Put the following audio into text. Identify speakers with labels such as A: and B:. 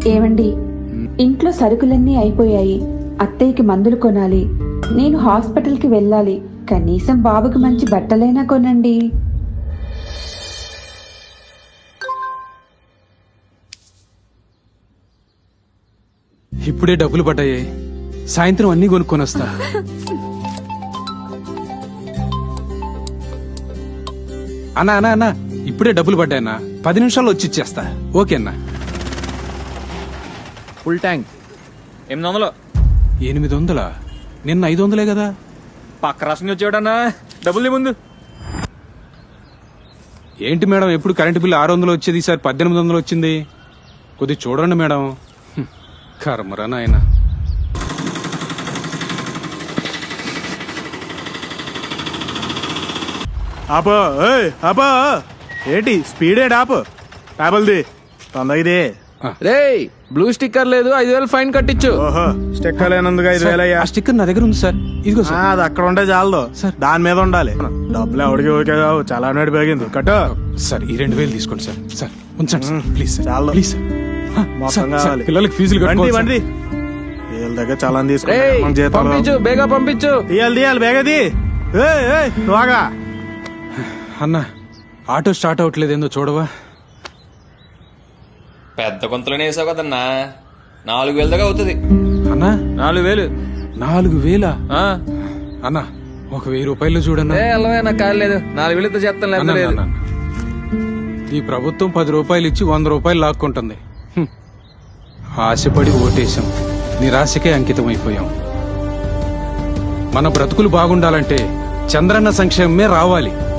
A: ఏమండి, ఇంట్లో సరుకులన్నీ అయిపోయాయి. అత్తయ్యకి మందులు కొనాలి. నేను హాస్పిటల్కి వెళ్ళాలి. కనీసం బాబుకి మంచి బట్టలైనా కొనండి.
B: ఇప్పుడే డబ్బులు పడ్డాయి. సాయంత్రం అన్ని కొనుక్కొని వస్తా. అన్నా అన్నా అన్నా, ఇప్పుడే డబ్బులు పడ్డాయన్నా. 10 నిమిషాల్లో వచ్చి ఇచ్చేస్తా. ఓకే అన్నా.
C: Full tank 800.
B: 800? నిన్న 500 కదా.
C: పక్క రాష్ట్రం వచ్చేవాడన్నా. డబ్బులు ముందు.
B: ఏంటి మేడం, ఎప్పుడు కరెంటు బిల్లు 600 వచ్చేది, ఈసారి 1800 వచ్చింది. కొద్ది చూడండి మేడం. కర్మరా నాయన.
D: ఆపో ఆపో, ఏంటి స్పీడ్ ఆపు. పేపల్ది తొందరది.
C: రే బ్లూ స్టిక్కర్ లేదు, 5000 ఫైన్ కట్టించు.
D: ఓహో, స్టిక్కర్ లేనందుకు 5000 అయ్యా.
B: ఆ స్టిక్కర్ నా దగ్గర ఉంది సార్. ఇదిగో సార్.
D: అది అక్కడ ఉంటే చాలదు
B: సార్.
D: దాని మీద ఉండాలి. డబ్బులు ఎవడికి ఓకే కావు, చాలా నాడు పెరిగింది. కట్టు
B: సార్, ఈ 2000 తీసుకోండి సార్. సార్ ఉంచండి సార్, ప్లీజ్ సార్.
D: చాలు.
B: Please sir.
D: మొత్తం కావాలి.
B: పిల్లలకి ఫీజులు
D: వండి
B: కట్టుకోవాలి
D: వండి.
B: సార్.
D: వీళ్ళ దగ్గర చాలా
C: రేయ్
D: తీసుకుంటాం.
C: పంపించు, బేగా పంపించు.
D: తీయాలి బేగది. నువ్వుగా
B: అన్నా, ఆటో స్టార్ట్ అవ్వట్లేదు, ఏందో చూడవా.
E: పెద్ద కొంతలోనే వేసావు కదన్నా, 4000 దాకా అవుతుంది.
B: అన్నా
C: 4000.
B: 4000?
C: ఆ,
B: అన్నా ఒక 1000 రూపాయలు చూడన్నా.
C: ఏ అల్లవే నాకు కాదు లేదు. 4000తో చేస్తాను,
B: అన్నా,
C: లేదు లేదు.
B: అన్నా, అన్నా. ఈ ప్రభుత్వం 10 రూపాయలు ఇచ్చి 100 రూపాయలు లాక్కుంటుంది. ఆశపడి ఓటేశాం, నిరాశకే అంకితం అయిపోయాం. మన బ్రతుకులు బాగుండాలంటే చంద్రన్న సంక్షేమమే రావాలి.